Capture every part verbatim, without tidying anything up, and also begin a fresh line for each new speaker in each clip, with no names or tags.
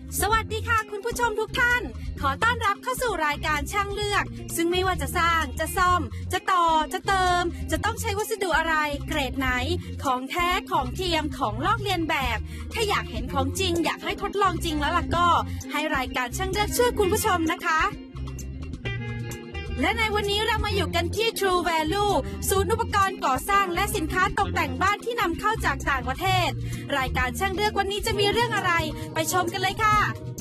สวัสดีค่ะคุณผู้ชมทุกท่านขอต้อนรับเข้าสู่รายการช่างเลือกซึ่งไม่ว่าจะสร้างจะซ่อมจะต่อจะเติมจะต้องใช้วัสดุอะไรเกรดไหนของแท้ของเทียมของลอกเลียนแบบถ้าอยากเห็นของจริงอยากให้ทดลองจริงแล้วล่ะก็ให้รายการช่างเลือกช่วยคุณผู้ชมนะคะและในวันนี้เรามาอยู่กันที่ True Value ศูนย์อุปกรณ์ก่อสร้างและสินค้าตกแต่งบ้านที่นำเข้าจากต่างประเทศรายการช่างเลือกวันนี้จะมีเรื่องอะไรไปชมกันเลยค่ะ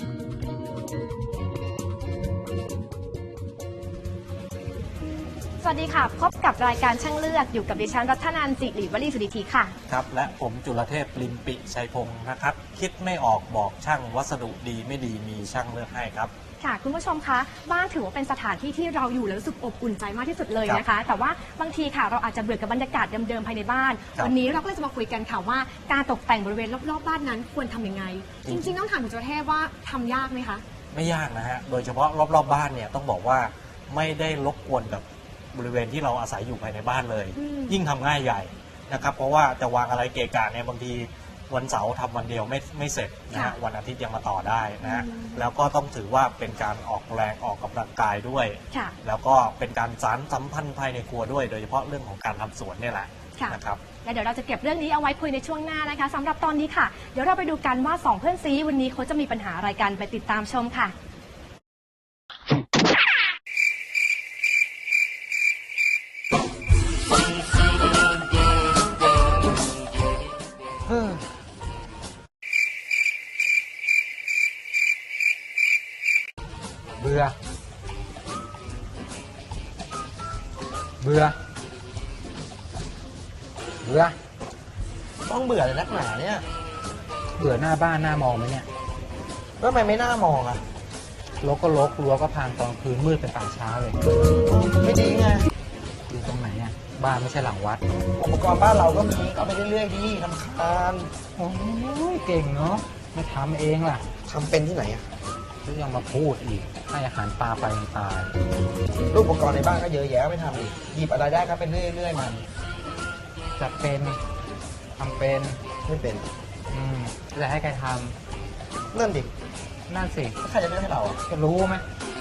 สวัสดีค่ะพบกับรายการช่างเลือกอยู่กับดิฉันรัตนันท์จิริวลีสุดิธีค่ะ
ครับและผมจุลเทพลิมปิชัยพงศ์นะครับคิดไม่ออกบอกช่างวัสดุดีไม่ดีมีช่างเลือกให้ครับ
ค่ะคุณผู้ชมคะบ้านถือว่าเป็นสถานที่ที่เราอยู่แล้วรู้สึกอบอุ่นใจมากที่สุดเลยนะคะแต่ว่าบางทีค่ะเราอาจจะเบื่อกับบรรยากาศเดิมๆภายในบ้านวันนี้เราก็เลยจะมาคุยกันค่ะว่าการตกแต่งบริเวณรอบๆบ้านนั้นควรทำยังไงจริงๆต้องถามคุณจุลเทพว่าทำยากไหมคะ
ไม่ยากนะฮะโดยเฉพาะรอบๆบ้านเนี่ยต้องบอกว่าไม่ได้รบกวนกับบริเวณที่เราอาศัยอยู่ภายในบ้านเลยยิ่งทำง่ายใหญ่นะครับเพราะว่าจะวางอะไรเกะกะเนี่ยบางทีวันเสาร์ทำวันเดียวไม่ไม่เสร็จนะฮะวันอาทิตย์ยังมาต่อได้นะฮะแล้วก็ต้องถือว่าเป็นการออกแรงออกกำลังกายด้วยแล้วก็เป็นการสานสัมพันธ์ภายในครัวด้วยโดยเฉพาะเรื่องของการทำสวนเนี่ยแหละนะครับ
และเดี๋ยวเราจะเก็บเรื่องนี้เอาไว้คุยในช่วงหน้านะคะสำหรับตอนนี้ค่ะเดี๋ยวเราไปดูกันว่าสองเพื่อนซีวันนี้เขาจะมีปัญหาอะไรกันไปติดตามชมค่ะ
เบื่อเบื่อเบื่อ
ต้องเบื่อเลยนักหนาเนี่ย
เบื่อหน้าบ้านหน้ามองไหมเนี่ย
แล้วทำไมไม่น่ามองอ่ะ
รกก็รกรั้วก็พังตอนคืนมืดเป็นป่าช้าเลย
ไม่ดีไง
อยู่ตรงไหนอ่ะบ้านไม่ใช่หลังวัด
อุปกรณ์บ้านเราก็มีเอาไปเรื่อยๆดีทำคาน
โอ้ยเก่งเนาะไม่ทำเองล่ะ
ทำเป็นที่ไหนอ่ะ
ก็ยังมาพูดอีกให้อาหารปลาไปตาย
รูปอุปกรณ์ในบ้านก็เยอะแยะไม่ทำอีกหยิบอะไรได้ก็เป็นเรื่อยๆมัน
จะเป็นทำเป็น
ไม่เป็น
อืมจะให้ใครท
ำนั่นดิ
นั่นสิ
ใครจะเลือกให้เรา
จะรู้ไหม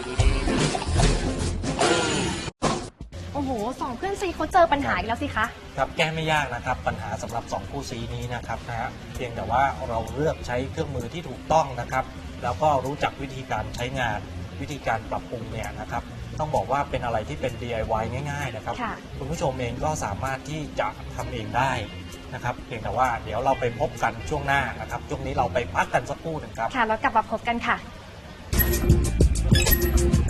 โอ้โหสองเพื่อนซีเขาเจอปัญหาอีกแล้วสิคะ
ครับแก้ไม่ยากนะครับปัญหาสำหรับสองคู่ซีนี้นะครับนะฮะเพียงแต่ว่าเราเลือกใช้เครื่องมือที่ถูกต้องนะครับแล้วก็รู้จักวิธีการใช้งานวิธีการปรับปรุงเนี่ยนะครับต้องบอกว่าเป็นอะไรที่เป็น ดี ไอ วาย ง่ายๆนะครับคุณผู้ชมเองก็สามารถที่จะทำเองได้นะครับเพียงแต่ว่าเดี๋ยวเราไปพบกันช่วงหน้านะครับช่วงนี้เราไปพักกันสักครู่หนึ่งครับ
ค่ะแล้วกลับมาพบกันค่ะ